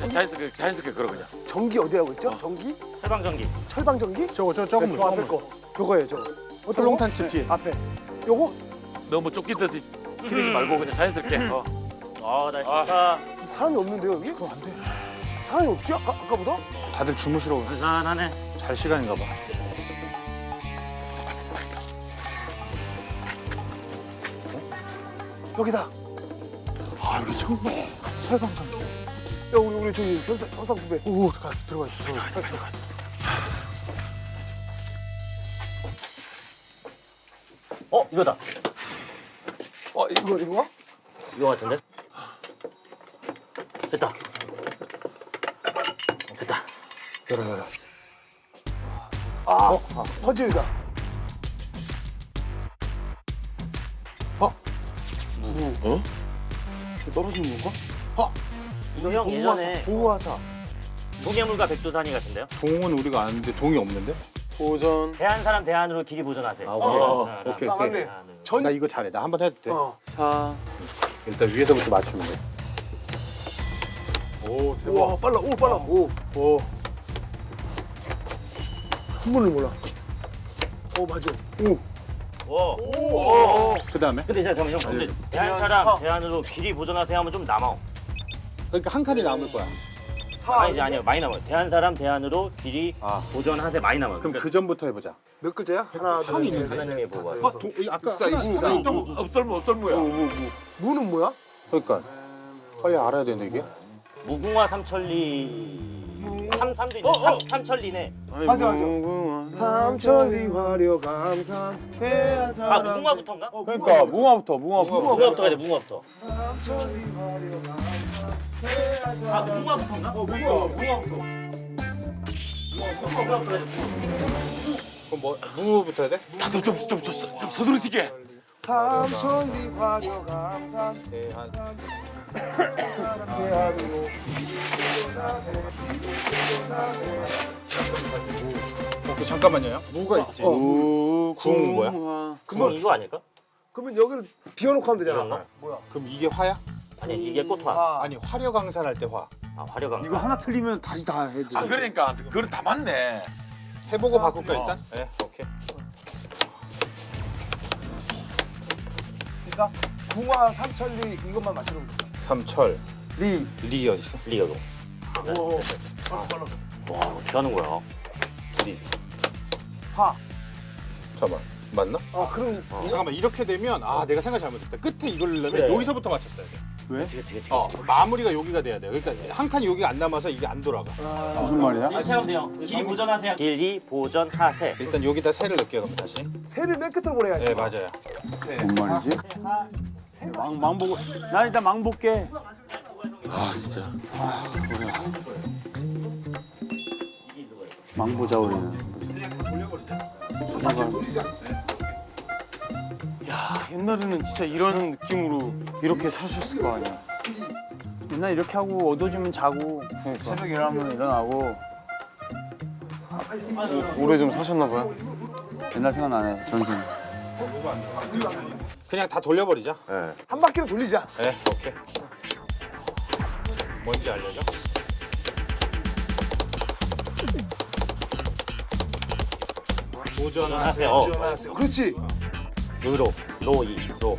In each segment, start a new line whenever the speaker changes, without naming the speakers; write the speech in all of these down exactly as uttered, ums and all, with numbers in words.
자연스럽게 자연스럽게 걸어 그냥.
전기 어디라고 했죠? 전기?
철방전기.
철방전기?
저거 저 조금
저 앞에 거. 저거예요, 저거. 어떤
헐렁탄
거?
집 뒤에.
앞에. 요거?
너무 쫓기듯이 튀지 말고 그냥 자연스럽게. 어.
아, 나 좋다.
사람이 없는데요, 여기?
그럼 안 돼.
사람이 없지? 아까, 아까보다?
다들 주무시러
한산하네.
잘 시간인가 봐.
여기다.
아 여기 청방 철방정.
야, 우리, 우리 저기 현상, 현상 후배.
오 들어가 들어가 들어가 들어가.
어, 이거다.
어, 이거, 이거?
이거 같은데? 됐다. 됐다.
열어 열어.
아,
어? 아.
퍼즐이다.
어?
어?
이거 떨어지는 건가?
어?
이거 형 예전에
보호화사.
동해물과 백두산이 같은데요?
동은 우리가 아는데 동이 없는데?
보전.
대한 사람 대안으로 길이 보존하세요.
아, 오케이.
대한
어,
사람
오케이,
아,
오케이.
맞네.
대안으로.
전,
나 이거 잘해. 나 한 번 해도 돼.
어.
사.
일단 위에서부터 맞추면 돼. 오
우와, 빨라. 오, 빨라. 오.
오.
한 번을 몰라. 어, 맞아. 오.
오.
오.
그 다음에?
근데 제가 잠깐만 형, 근데 대한
대한
사람
사.
대안으로 길이 보존하세요 하면 좀 남아.
그러니까 한 칸이 남을 거야.
사.
아니지 아니요 많이 남아요. 대한 사람 대안으로 길이
아.
보존하세요 많이 남아요.
그럼
그러니까
그 전부터 해보자.
몇 글자야? 하나, 둘,
삼이
셋,
있는데?
넷,
하나님의
넷,
보호가.
다섯,
아, 동, 이 아까
육사,
하나
이십사.
하나 있던 거.
없설무 없설무야.
무, 무, 무. 무는 뭐야?
그러니까 빨리 알아야 되는데 이게.
무궁화 삼천리 삼 삼도 있네. 삼, 삼천리네.
맞아, 맞아. 삼천리 화려 감산 대한
아
사람.
무궁화부터인가?
그러니까 무궁화부터 무궁화부터.
무궁화부터 가야 돼 무궁화부터.
삼천리 화려 감산 대한
아
사람.
무궁화부터인가?
어, 무궁화, 무궁화부터.
무궁화부터 가야 돼.
그럼 뭐 무부터 해야 돼?
다들 좀좀 좀, 좀, 좀 서두르시게.
삼천리 화려 감산
대한.
대한으로.
오케이 잠깐만요. 무가 있지.
어.
궁 뭐야?
그건 이거 아닐까?
그러면 여기를 비워놓고 하면 되잖아.
이런가?
뭐야?
그럼 이게 화야?
아니 이게 꽃화.
아,
아니 화려강산할 때 화.
아 화려강.
이거 하나 틀리면 다시 다 해야 돼.
아 그러니까 그건 다 맞네.
해보고 바꿀까
어.
일단? 네, 오케이.
그러니까 궁화 삼천리 이것만 맞추는 거.
삼철
리.
리 어디 있어?
리어도.
오. 빨라, 빨라.
와 어떻게 하는 거야?
리.
화.
잠깐만 맞나?
아, 그럼
잠깐만 이렇게 되면 아 내가 생각 잘못했다. 끝에 이걸 넣으면
그래.
여기서부터 맞췄어야 돼.
왜?
그치 그치 그치.
어 마무리가 여기가 돼야 돼. 그러니까 한 칸이 여기가 안 남아서 이게 안 돌아가.
무슨 말이야?
이렇게 하면 돼요. 길이 보존하세요. 길이 보존하세.
일단 여기다 새를 넣을게요 그럼 다시.
새를 맨 끝으로 보내야지.
네 맞아요.
뭔 말이지? 망, 망 보고. 나 일단 망 볼게.
아 진짜.
망 보자 우리는.
야, 옛날에는 진짜 이런 느낌으로 이렇게 사셨을 거 아니야.
맨날 이렇게 하고 어두워지면 자고 새벽 일어나면 일어나고
오래 좀 사셨나 봐요.
옛날 생각나네 전생.
그냥 다 돌려버리자.
한 바퀴를 돌리자.
네 오케이. 뭔지 알려줘? 보존하세요.
보존하세요. 어.
그렇지.
의로
로이.
로.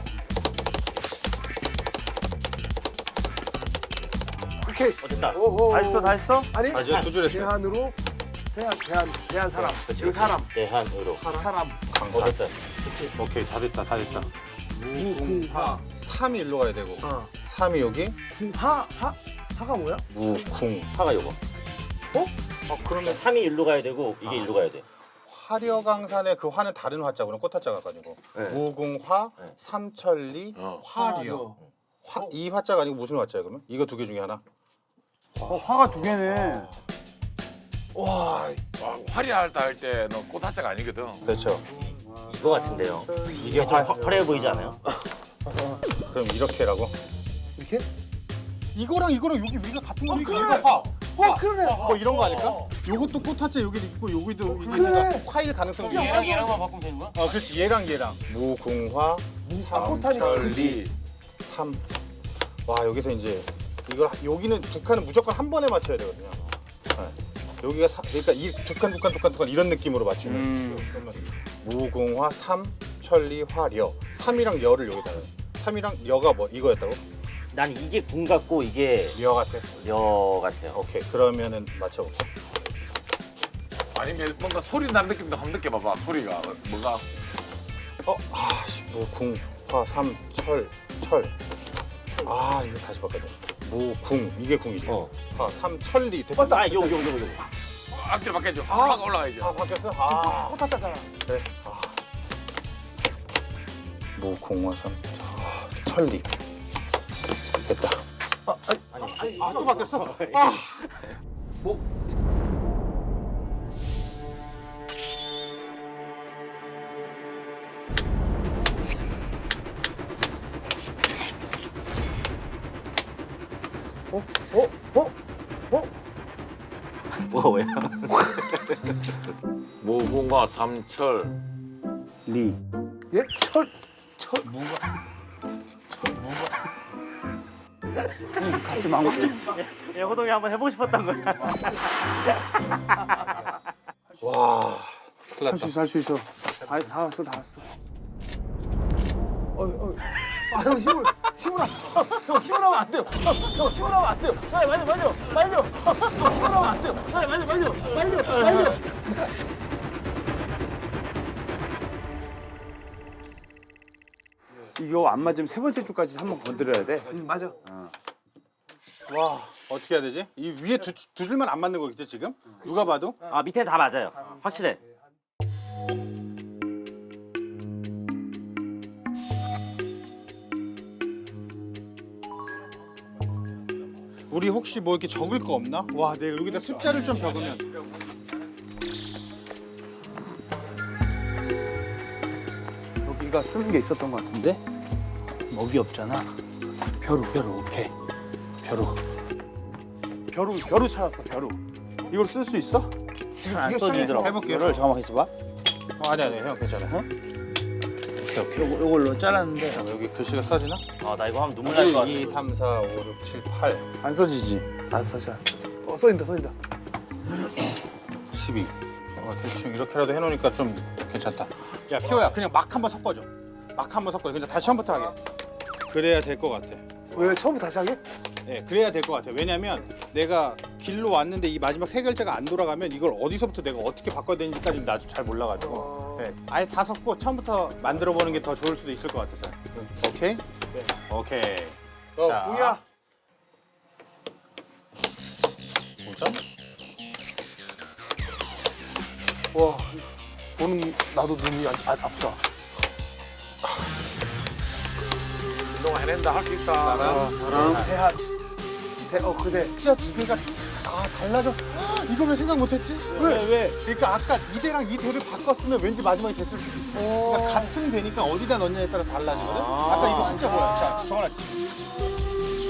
오케이.
어 됐다.
오호.
다 했어 다 했어?
아니.
맞아요 두 줄 했어요.
대한으로 대한 대한 대한 사람.
그치,
그
그치.
사람.
대한으로.
사람.
어
강산.
됐어요.
오케이 다 됐다 다 됐다.
무궁화.
삼이 일로 가야 되고
어.
삼이 여기
궁화 화 화가 뭐야?
무궁.
화가 요거.
어 그러면
삼이 일로 가야 되고 이게 일로 가야 돼.
화려강산의 그 화는 다른 화자구나 꽃화자가 가지고 무궁화, 삼천리,
어.
화려. 화, 이 화자가 아니고 무슨 화자야 그러면? 이거 두 개 중에 하나.
어, 화가 두 개네.
와.
와, 화려할 때 할 때는 꽃 한자가 아니거든.
그렇죠.
이거 같은데요.
이게
좀
화.
화, 화려해 보이지 않아요?
그럼 이렇게라고?
이렇게?
이거랑 이거랑 여기 위가 같은 거니까
그래.
이거 화. 화.
그러네.
뭐 이런 거 아닐까? 요것도 꽃화자 여기 있고 여기도 이게
그래.
화일 가능성이 있어.
얘랑 얘랑만 바꾸면 되는 거야?
어, 그렇지. 얘랑 얘랑. 무궁화,
아, 꽃하니까
삼천리, 삼. 와 여기서 이제 이걸 하- 여기는 두 칸은 무조건 한 번에 맞춰야 되거든요. 네. 여기가 사, 그러니까 이 두 칸, 두 칸, 두 칸, 두 칸 이런 느낌으로 맞추면
음.
그러면 무궁화, 삼, 천리, 화, 려. 삼이랑 여를 여기다가. 삼이랑 여가 뭐 이거였다고?
난 이게 궁 같고 이게
여 같아.
여 같아요.
오케이. 그러면은 맞춰봅시다.
아니면 뭔가 소리 나는 느낌도 한번 느껴봐봐. 소리가 뭐가
어, 아, 씨, 무궁, 화, 삼, 철, 철. 아, 이거 다시 바꿔야 돼. 무궁, 이게 궁이지.
어.
화, 삼, 철리. 됐다.
아, 요, 요, 요, 요.
앞뒤로 바뀌어줘. 확 올라가야죠.
아, 바뀌었어? 아,
꽃하잖아.
그래. 아. 무궁화, 삼, 아, 철리. 됐다. 아, 아니, 아, 또 바뀌었어? 아.
뭐가 뭐야?
무궁화 삼철.
리.
예? 철.
같이 망고.
예, 호동이 한번 해보고 싶었던 거야.
와, 큰일
할 수
났다.
있어 할 수 있어. 다, 다 왔어 다 왔어.
어, 어. 아, 형 힘을 힘을 하- 형 힘을 하면 안 돼요. 형, 형 힘을 하면 안 돼요. 빨리 빨리 빨리요. 빨리요. 형 힘을 하면 안 돼요. 빨리 빨리 빨리요. 빨리요. 빨리요.
이거 안 맞으면 세 번째 줄까지 한번 건드려야 돼.
음, 맞아.
와, 어떻게 해야 되지? 이 위에 두, 두 줄만 안 맞는 거겠지, 지금? 누가 봐도?
아, 밑에 다 맞아요. 확실해.
우리 혹시 뭐 이렇게 적을 거 없나? 와, 내가 여기다 숫자를 좀 적으면.
여기가 쓰는 게 있었던 것 같은데 먹이 없잖아. 벼루 벼루 오케이. 벼루. 벼루 벼루 찾았어 벼루. 이걸 쓸 수 있어?
지금 안 써지더라고.
해볼게요.
이거를 잠깐만 있어봐.
어, 아니, 아니, 형 괜찮아. 오케이, 오케이.
요거 요걸로 잘랐는데
잠깐만, 여기 글씨가 써지나?
아, 나 이거 하면 눈물 날 것 같아.
일, 이, 삼, 사, 오, 육, 칠, 팔,
안 써지지.
안 써져. 어, 써인다 써인다.
십이. 어, 대충 이렇게라도 해놓으니까 좀 괜찮다. 야, 피오야, 그냥 막 한번 섞어줘. 막 한번 섞어줘. 그냥 다시 처음부터 하게. 그래야 될 것 같아.
왜 처음부터 다시 하게?
네, 그래야 될 것 같아. 왜냐면 내가 길로 왔는데 이 마지막 세 글자가 안 돌아가면 이걸 어디서부터 내가 어떻게 바꿔야 되는지까지 나도 잘 몰라가지고. 네, 아예 다 섞고 처음부터 만들어 보는 게 더 좋을 수도 있을 것 같아서. 오케이? 네. 오케이.
어,
자,
뭐야?
오 점?
와, 보는 나도 눈이 아, 아, 아프다.
운동화 해낸다. 할 수 있다.
나랑
대한. 대, 어, 그대.
진짜 두 개가 아 달라졌어. 헉, 이걸 왜 생각 못했지?
왜 왜?
그러니까 아까 이 대랑 이 대를 바꿨으면 왠지 마지막에 됐을 수도 있어. 그러니까 같은 대니까 어디다 넣냐에 따라서 달라지거든. 아까 이거 숫자 뭐야? 자, 적어놨지.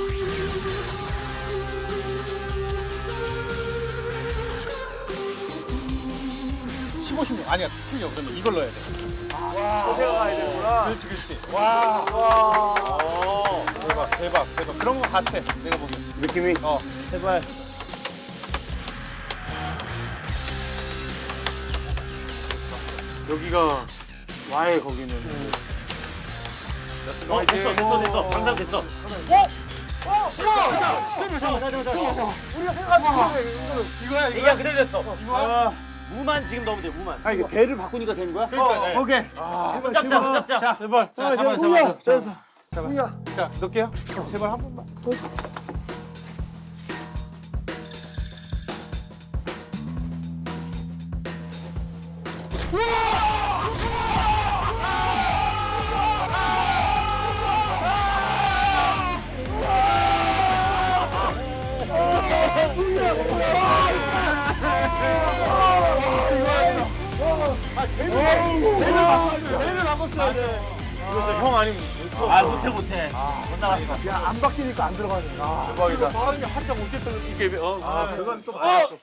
십오, 십육 아니야 틀려. 그러면 이걸 넣어야 돼.
생각해야 되는구나.
그렇지, 그렇지. 와, 와, 대박, 대박, 대박. 그런 거 같아. 내가 보기엔.
느낌이
어,
제발.
여기가 와의 거기는.
어, 됐어, 됐어, 됐어. 방상 됐어.
어? 어? 우와!
잠깐만, 잠깐만, 잠깐만.
우리가 생각한 거를 이거를.
이거야,
얘가
이거야.
그대로 됐어.
이거야.
무만 지금 넣으면 돼, 무만.
아 이게 대를 바꾸니까 되는 거야?
그러니까, 네.
오케이.
한번 짭자, 짭자.
자, 제발. 자, 잡아, 잡아,
우야!
잡아.
됐어. 우야!
자, 넣을게요. 제발 한 번만.
대를 바꿨어야 돼.
그래서 형 아니면
아, 못해, 못해. 못 나갔어.
야, 안 바뀌니까 안 들어가네. 아,
대박이다. 사람이 한참 어쨌든 이게 어.
아, 그건 또 맞아. 또.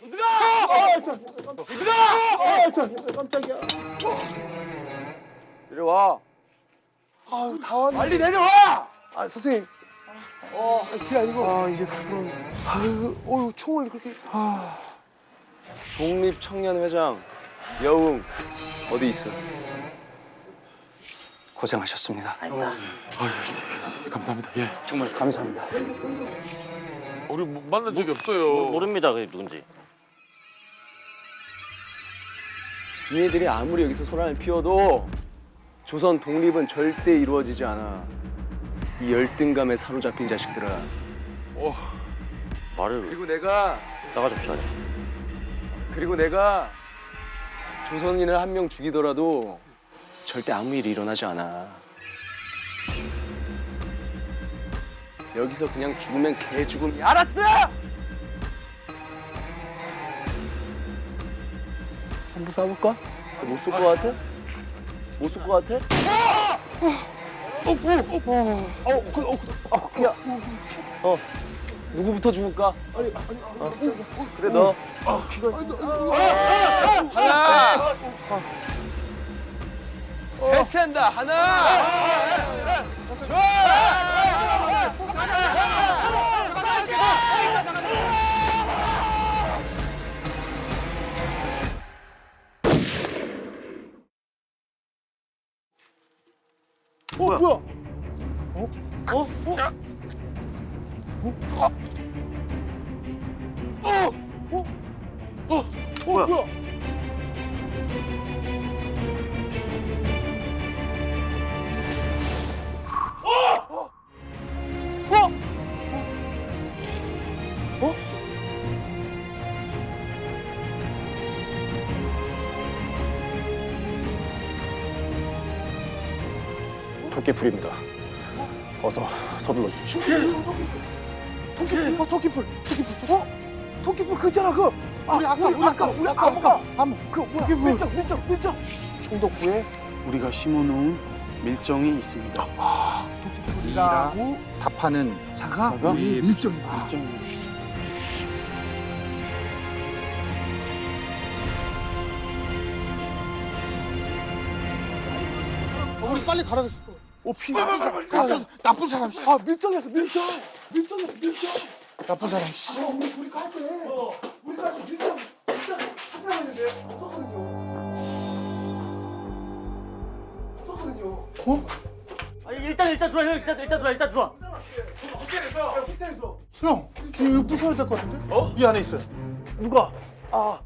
아, 저 깜짝이야.
이리 와.
아유, 다 왔네.
빨리 내려와.
아, 선생님. 어, 그게 아니고. 아, 이제 앞으로. 아유, 어유 총을 그렇게. 아.
독립청년회장 여웅 어디 있어? 고생하셨습니다.
감사합니다. 예.
정말 감사합니다.
우리 뭐 만난 적이 없어요.
모릅니다. 그게 누군지.
니네들이 아무리 여기서 소란을 피워도 조선 독립은 절대 이루어지지 않아. 이 열등감에 사로잡힌 자식들아.
어.
말을
그리고 내가
싸가지 없이 하네.
그리고 내가 조선인을 한 명 죽이더라도 절대 아무 일이 일어나지 않아. 여기서 그냥 죽으면 개 죽음이 알았어! 한번 싸볼까? 못 쏠 것 같아? 못 쏠 것 같아?
어, 그, 어, 그, 어, 야.
어. 누구부터 죽을까? 아니, 아니, 어? 그래 너. 아, 피가. 하나. 셋 센다. 하나.
어, 뭐야?
어? 어?
어, 뭐야?
도깨풀입니다. 어서 서둘러 주십시오.
토끼풀, 어, 토끼풀, 토끼풀, 어? 토끼풀 그 있잖아, 그. 아, 우리 아까, 우리 아까, 우리 아까, 아까, 그 뭐야? 밀정, 밀정, 밀정. 총독부에
우리가 심어놓은 밀정이 있습니다.
토끼풀이라고
답하는
자가
자가?
우리의 밀정이다.
밀정이.
우리 빨리 가라겠어.
어, 피 나쁜 사람, 나쁜, 나쁜 사람. 아, 밀정이었어, 밀정. 밀정이었어, 밀정.
나쁜 사람. 씨.
어, 우리 우리 갈 때, 우리 갈 때 밀정 일단 찾으라고 했는데 없었거든요. 없었거든요.
어?
아니 일단 일단 들어와. 형, 일단 일단 들어와. 일단 들어와.
야, 호텔에서.
형, 이거 부셔야 될 것 같은데? 어? 이 안에 있어요.
누가? 아.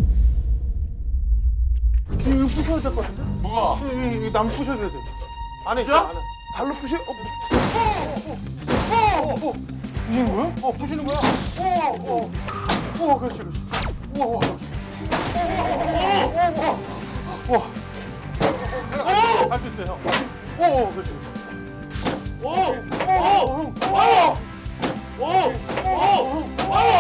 이거 부셔야 될 것 같은데?
뭐가?
이, 이, 이 나무 부셔줘야 돼. 안에 있어. 안에.
발로 푸시. 어,
어, 어, 어. 부시는 거야? 어, 부시는 거야. 어, 어, 어, 그렇지, 그렇지. 우와, 우와, 그렇지. 우와, 우와, 우와. 할수 있어요, 형. 오, 오, 그렇지, 그렇지.
오! 오! 오! 오! 오!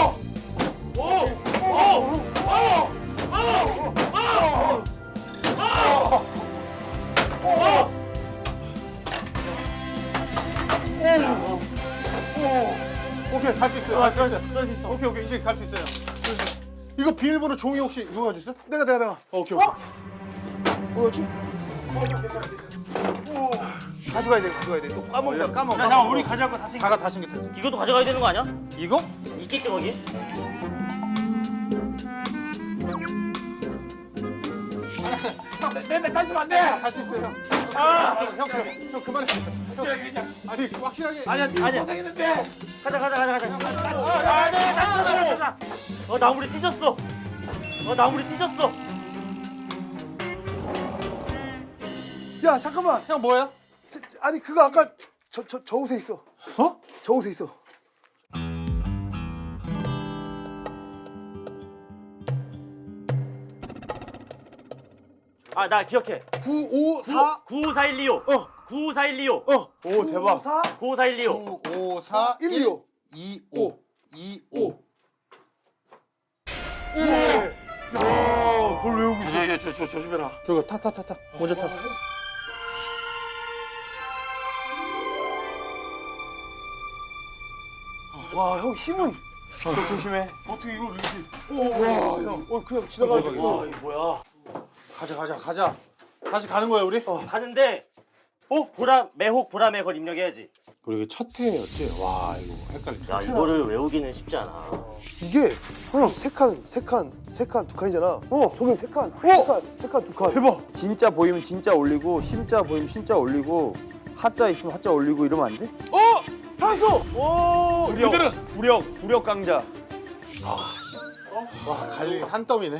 오, 오케이, 갈 수 있어요. 갈 수 있어요.
쏠수 있어.
오케이, 오케이, 이제 갈 수 있어요. 이거 비밀번호 종이 혹시 누가 가지고 있어?
내가 내가 내가.
어, 오케이, 오케이.
뭐였지?
어, 괜찮아, 괜찮아. 오,
가져가야 돼, 가져가야 돼. 또
어,
까먹어.
야, 까먹어.
야, 나 우리 가져갈 거다 챙겨.
다가 다 챙겼다.
이것도 가져가야 되는 거 아니야?
이거?
있겠지 거기?
내 다시면 안 돼.
할 수 있어요, 형. 형, 형, 형, 형 그만해.
확실하게 그냥.
아니, 확실하게.
아니야, 네가
아니야.
고생했는데.
가자 가자 가자 가자. 아, 네, 가자 가자 가자. 어 나무리 찢었어. 어 나무리 찢었어.
야, 잠깐만.
형 뭐야?
저, 저, 아니 그거 아까 저 저 저 옷에 있어. 어? 저 옷에 있어.
아 나 기억해.
구오사
구오사일이오.
어.
구오사일이오.
어.
오, 대박.
사
구오사일이오.
구, 오, 사,
일이오.
이, 오. 이, 오.
뭘 외우고 있어? 야, 조, 조, 조심해라.
저거 타, 타, 타, 타. 먼저 타.
와, 형 힘은.
너 조심해.
어떻게 이걸 이렇게?
와, 형. 어, 그냥 지나가고.
와 이거 뭐야?
가자, 가자, 가자. 다시 가는 거야, 우리?
가는데 어? 보람 매혹 보람의 걸 입력해야지.
그리고 첫 회였지. 와 이거 헷갈리죠.
야 이거를 외우기는 쉽지 않아.
이게 형 세 칸, 세 칸, 세 칸, 두 칸이잖아. 어, 저기 세 칸, 세 칸, 세 칸, 두 칸.
대박. 진짜 보이면 진짜 올리고 심자 보이면 심자 올리고 하자 있으면 하자 올리고 이러면 안 돼?
어, 찬수. 오,
부력, 부력, 부력 강자.
와 갈리 산더미네.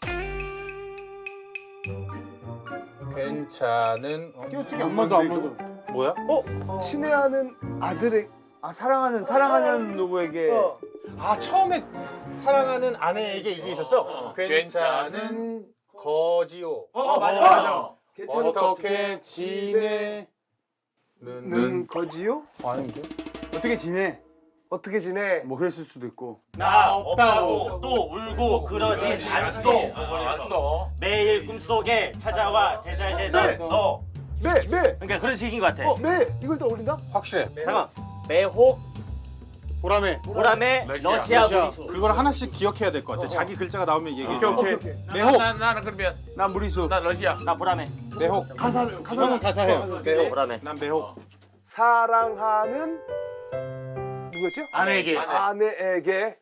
괜찮은 어?
띄어쓰기 안 맞아 안 맞아.
뭐야?
친애하는 아들의
아 사랑하는 사랑하는 누구에게
어.
아 처음에 사랑하는 아내에게 이게 있었어. 괜찮은 거지요.
어 맞아 맞아.
어떻게 지내?
는 거지요?
아닌데? 어떻게 지내?
어떻게 지내?
뭐 그랬을 수도 있고.
나 없다고 또 울고 그러지 않소. 매일 꿈속에 찾아와 제잘되던 너.
네, 네,
그러니까 그런 식인 것 같아.
어, 네. 이걸 또 올린다?
확실해.
잠깐. 매혹
보람에.
보람의 러시아 무리수.
그걸 하나씩 기억해야 될 것 같아. 자기 글자가 나오면 얘기해.
오케이 오케이.
매혹.
나, 나는 그러면
난 무리수.
나 러시아.
나 보람의.
매혹.
가사, 가사.
형은 가사해요. 매혹.
보람의.
난 매혹.
사랑하는 누구였죠?
아내에게.
아내에게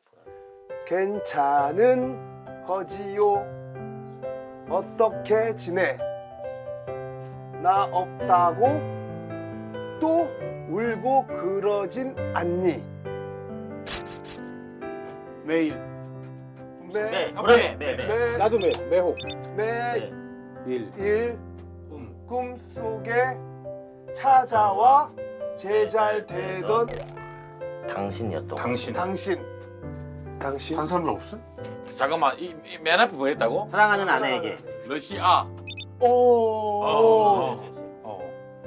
괜찮은 거지요. 어떻게 지내? 나 없다고 또 울고 그러진 않니?
매일.
매,
네 보람의 매 매.
매,
나도 매 매혹.
매일
일.
꿈.
꿈속에 찾아와 제잘되던
당신이었던 거.
당신.
당신. 당신.
한 사람 없어?
잠깐만 이 맨 앞에 뭐 했다고?
사랑하는 아내에게.
러시아.
오.
어.
어.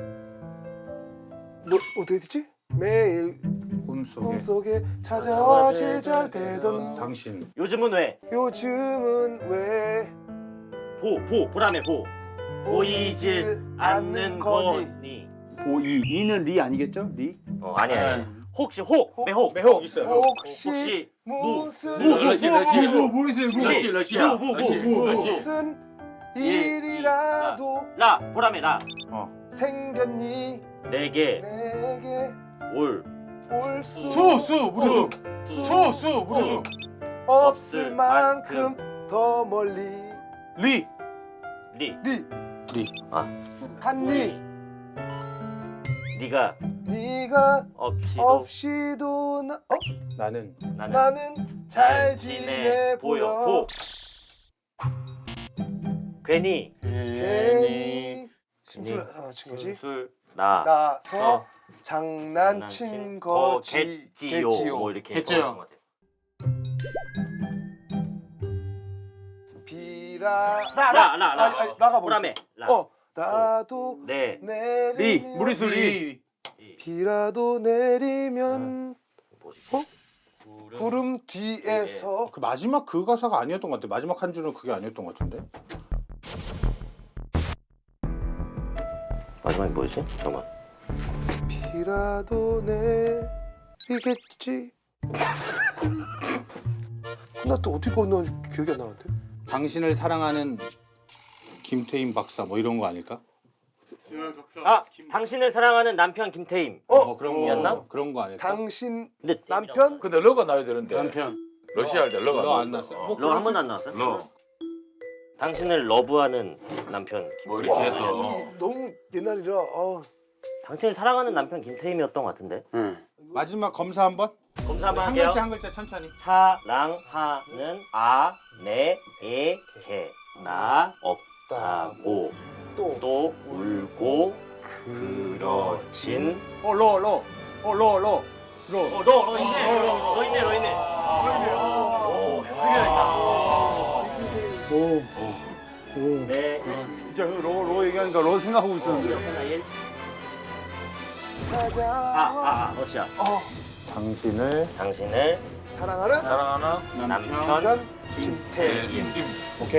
뭐 어떻게 됐지? 매일
꿈속에.
꿈속에 찾아와 제잘되던
당신.
요즘은 왜?
요즘은 왜
보, 보, 보람의 보. 보이질 않는 거니.
보이. 이는 리 아니겠죠? 리?
어, 아니야, 아니야. 혹시 혹, 매혹.
매혹 있어요.
혹시,
혹시
무슨
무, 무,
러시아 러시아.
모르세요.
러시아 러시아.
무, 무, 무,
러시아.
무슨 일이라도
라, 보람의 라.
생겼니
내게
내게
올
올수
수, 수, 무리수. 수, 수, 무리수.
없을 만큼 더 멀리
리.
리.
니
리.
아,
갔니
네가
네가
없이도
없이도 나, 어?
나는
나는
나는 잘 지내 보여
보. 괜히
괜히 심술 아, 친 거지
술 나.
나서
어.
장난친 거지
거겠지요.
겠지요.
뭐 이렇게
했죠.
것 같아.
비라
라, 라, 라.
아니, 아니, 라가 뭐
보람의
있어?
라.
어 라도
네.
내리면
리. 무리수 리.
비라도 내리면
뭐지?
어? 구름 뒤에서
그 마지막 그 가사가 아니었던 것 같아. 마지막 한 줄은 그게 아니었던 것 같은데.
마지막이 뭐였지? 잠깐만.
비라도 내리겠지. 나 또 어떻게 건너는지 기억이 안 나는데.
당신을 사랑하는 김태인 박사 뭐 이런 거 아닐까?
아, 당신을 사랑하는 남편 김태임.
어?
뭐 그런 거
였나?
그런 거 아닐까?
당신
근데
남편
근데 러가 나야 되는데.
남편.
러시아 할 때 러가
너 안
나왔어.
났어?
어.
뭐
러 한 번도 안 나왔어요?
러.
당신을 러브하는 남편
뭐
김태임.
이렇게 해서.
너무 옛날이라. 아.
당신을 사랑하는 남편 김태임이었던 것 같은데.
마지막 검사 한번.
검사 한번
한
할게요.
글자 한 글자 천천히.
사랑하는 아내에게 나 없다고
또
또 울고 그러진
어, 러, 러. 어, 러, 러. 러.
어, 너, 너 있네. 너 있네, 너 있네. 오, 훌륭했다.
오. 오.
네.
진짜 러, 러 얘기하니까 러 생각하고 있었는데.
하나 일.
찾아
아, 아, 아, 러시아.
어,
당신을
당신을
사랑하는
사랑하나?
남편
남편 김태임.
오케이.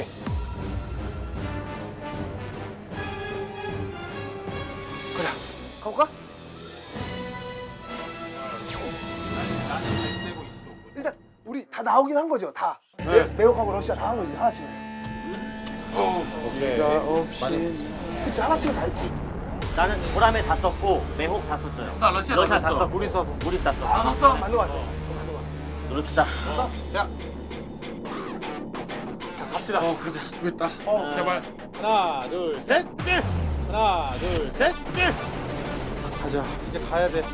그래. 가볼까? 일단 우리 다 나오긴 한 거죠. 다. 매, 매혹하고 러시아 다 한 거지. 하나씩은.
오케이.
없이. 그치 하나씩은 다 했지.
나는 보라매 다 썼고 매혹 다 썼죠.
나 러시아
러시아
다
다
썼어.
썼고 우리 다 썼어. 우리 다 썼어.
다 썼어?
맞는 거 같아. 맞는 거 같아.
누릅시다.
자, 자 갑시다.
어, 그래서 수고했다. 제발.
하나, 둘, 셋, 찔. 하나, 둘, 셋, 찔.
가자.
이제 가야 돼.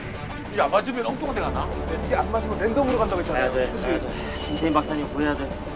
이게 안 맞으면 엉뚱한 데 가나?
이게 안 맞으면 랜덤으로 간다고 했잖아요.
가야 돼. 가야 돼. 김태인 박사님 구해야 돼.